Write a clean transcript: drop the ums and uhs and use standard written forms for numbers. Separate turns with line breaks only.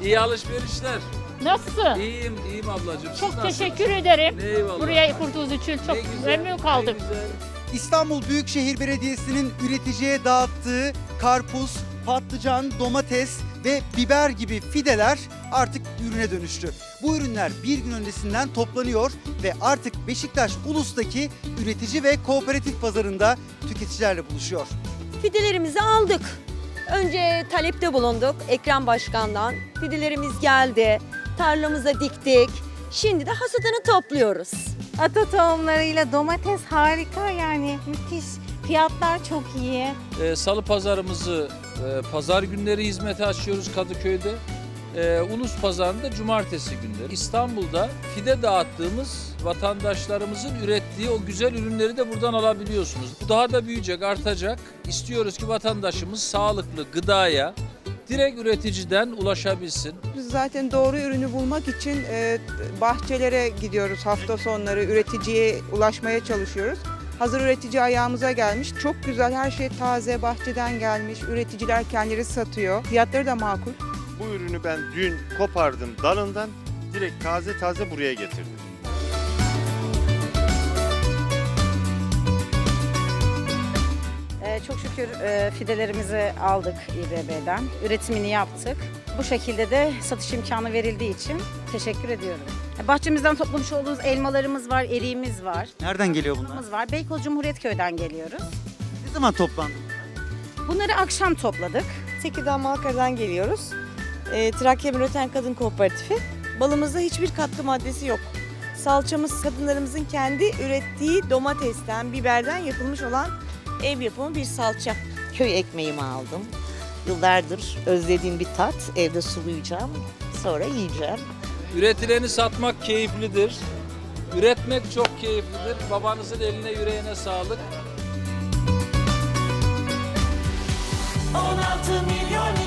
İyi alışverişler.
Nasılsın?
İyiyim ablacığım. Siz
Çok
nasılsınız?
teşekkür ederim.
Eyvallah.
Buraya kurduğunuz için çok
Ne güzel,
memnun kaldım.
ne güzel.
İstanbul Büyükşehir Belediyesi'nin üreticiye dağıttığı karpuz, patlıcan, domates ve biber gibi fideler artık ürüne dönüştü. Bu ürünler bir gün öncesinden toplanıyor ve artık Beşiktaş Ulus'taki üretici ve kooperatif pazarında tüketicilerle buluşuyor.
Fidelerimizi aldık. Önce talepte bulunduk Ekrem Başkan'dan. Fidelerimiz geldi. Tarlamıza diktik. Şimdi de hasadını topluyoruz.
Ata tohumlarıyla domates harika, yani müthiş. Fiyatlar çok iyi.
Salı pazarımızı pazar günleri hizmete açıyoruz Kadıköy'de. Ulus pazarında cumartesi günleri. İstanbul'da fide dağıttığımız vatandaşlarımızın ürettiği o güzel ürünleri de buradan alabiliyorsunuz. Bu daha da büyüyecek, artacak. İstiyoruz ki vatandaşımız sağlıklı gıdaya direkt üreticiden ulaşabilsin.
Biz zaten doğru ürünü bulmak için bahçelere gidiyoruz hafta sonları, üreticiye ulaşmaya çalışıyoruz. Hazır üretici ayağımıza gelmiş. Çok güzel, her şey taze, bahçeden gelmiş. Üreticiler kendileri satıyor. Fiyatları da makul.
Bu ürünü ben dün kopardım dalından, direkt taze buraya getirdim.
Çok şükür fidelerimizi aldık İBB'den. Üretimini yaptık. Bu şekilde de satış imkanı verildiği için teşekkür ediyorum. Bahçemizden toplamış olduğumuz elmalarımız var, eriğimiz var.
Nereden geliyor bunlar?
Var. Beykoz Cumhuriyetköy'den geliyoruz.
Ne zaman toplandı?
Bunları akşam topladık.
Tekirdağ Malkara'dan geliyoruz. Trakya Üreten Kadın Kooperatifi. Balımızda hiçbir katkı maddesi yok. Salçamız kadınlarımızın kendi ürettiği domatesten, biberden yapılmış olan ev yapımı bir salça.
Köy ekmeğimi aldım. Yıllardır özlediğim bir tat. Evde sulayacağım. Sonra yiyeceğim.
Üretileni satmak keyiflidir. Üretmek çok keyiflidir. Babanızın eline yüreğine sağlık.
16 milyon